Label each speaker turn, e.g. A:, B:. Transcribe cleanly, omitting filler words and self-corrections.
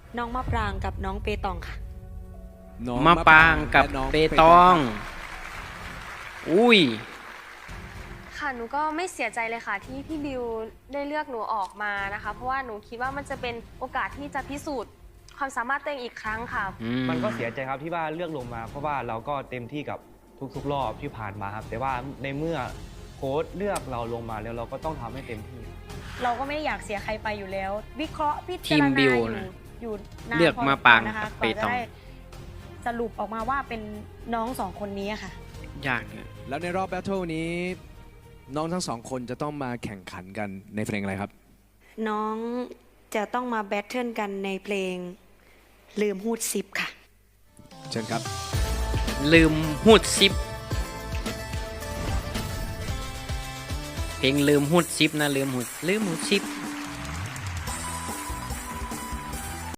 A: น้องมะปรางกับน้องเปตองค่ะ
B: น้อง
C: มะปรางกับ
B: และน้ง
C: เปตอง อุ้ย
D: ค่ะหนูก็ไม่เสียใจเลยค่ะที่พี่บิวได้เลือกหนูออกมานะคะ เพราะว่าหนูคิดว่ามันจะเป็นโอกาสที่จะพิสูจน์ความสามารถตัวเองอีกครั้งค่ะ
E: มันก็เสียใจครับที่ว่าเลือกลงมา เพราะว่าเราก็เต็มที่กับทุกๆรอบที่ผ่านมาครับ แต่ว่าในเมื่อโค้ชเลือกเราลงมาแล้วเราก็ต้องทำให้เต็มที่
A: เราก็ไม่ได้อยากเสียใครไปอยู่แล้ว วิเคราะห์พิ
C: ที
A: จาร
C: ม
A: ณา
C: บิว
A: อยู่
C: นะ
A: อยู่นาน
C: เลือก
A: พ
C: มะปราง
A: นะคะ
C: กับ
A: ก
C: เป
A: ว่าจะ
C: ตอง
A: ได้สรุปออกมาว่าเป็นน้องสองคนนี้ค่ะ
C: ยากเนี่ย
B: แล้วในรอบแบทเทิลนี้ น้องทั้งสองคนจะต้องมาแข่งขันกันในเพลงอะไรครับ
A: น้องจะต้องมาแบทเทิลกันในเพลงลืมฮูดซิปค่ะ
B: เชิญครับ
C: ลืมหูดซิป เพลงลืมหูดซิปนะลืมหูดซิป